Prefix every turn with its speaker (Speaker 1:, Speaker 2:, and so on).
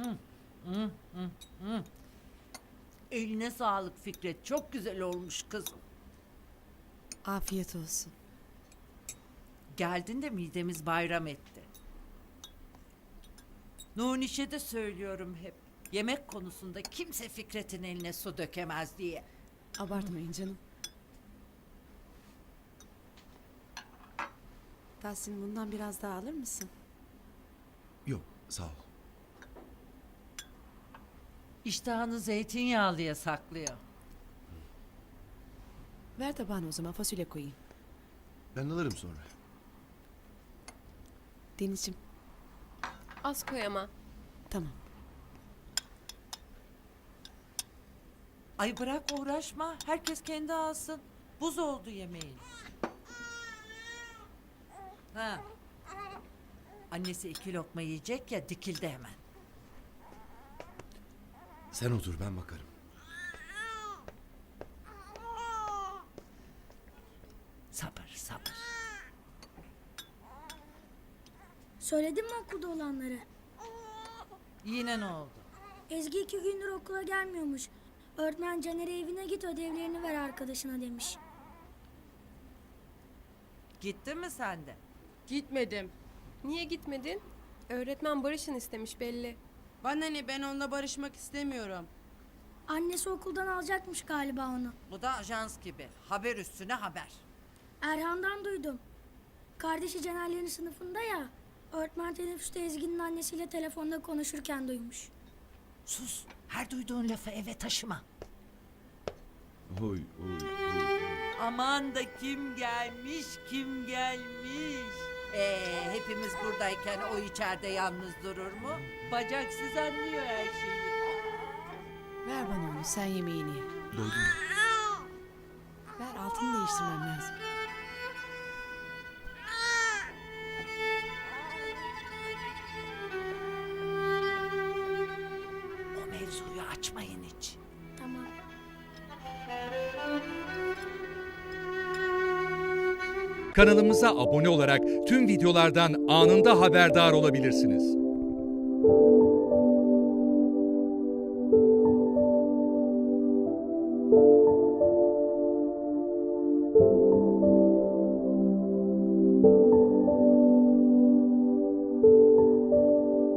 Speaker 1: Eline sağlık Fikret. Çok güzel olmuş kızım.
Speaker 2: Afiyet olsun.
Speaker 1: Geldin de midemiz bayram etti. Nuniş'e de söylüyorum hep. Yemek konusunda kimse Fikret'in eline su dökemez diye.
Speaker 2: Abartmayın canım. Tahsin, bundan biraz daha alır mısın?
Speaker 3: Yok, sağ ol.
Speaker 1: İştahını zeytinyağlıya saklıyor.
Speaker 2: Ver tabağına o zaman, fasulye koyayım.
Speaker 3: Ben alırım sonra.
Speaker 2: Denizciğim,
Speaker 4: Az koy ama.
Speaker 2: tamam.
Speaker 1: Ay bırak uğraşma. Herkes kendi alsın. Buz oldu yemeğin. Ha. Annesi 2 lokma yiyecek ya, dikildi hemen.
Speaker 3: Sen otur, ben bakarım.
Speaker 1: Sabır sabır.
Speaker 5: Söyledin mi okulda olanları?
Speaker 1: Yine ne oldu?
Speaker 5: Ezgi 2 gündür okula gelmiyormuş. Öğretmen Caner'e evine git ödevlerini ver arkadaşına demiş.
Speaker 1: Gittin mi sen de?
Speaker 4: Gitmedim. Niye gitmedin? Öğretmen barışın istemiş belli.
Speaker 6: Bana ne, ben onunla barışmak istemiyorum.
Speaker 5: Annesi okuldan alacakmış galiba onu.
Speaker 1: Bu da ajans gibi. Haber üstüne haber.
Speaker 5: Erhan'dan duydum. Kardeşi Caner'lerin sınıfında ya. Öğretmen teneffüste Ezgi'nin annesiyle telefonda konuşurken duymuş.
Speaker 1: Sus. Her duyduğun lafı eve taşıma.
Speaker 3: Oy, oy, oy.
Speaker 1: Aman da kim gelmiş, kim gelmiş. Hepimiz buradayken o içeride yalnız durur mu? Bacaksız anlıyor her şeyi.
Speaker 2: Ver bana onu, sen yemeğini ye.
Speaker 3: Doydun mu?
Speaker 2: Ver, altını değiştirmem lazım.
Speaker 1: O mevzuyu açmayın hiç.
Speaker 5: Tamam.
Speaker 7: Kanalımıza abone olarak tüm videolardan anında haberdar olabilirsiniz.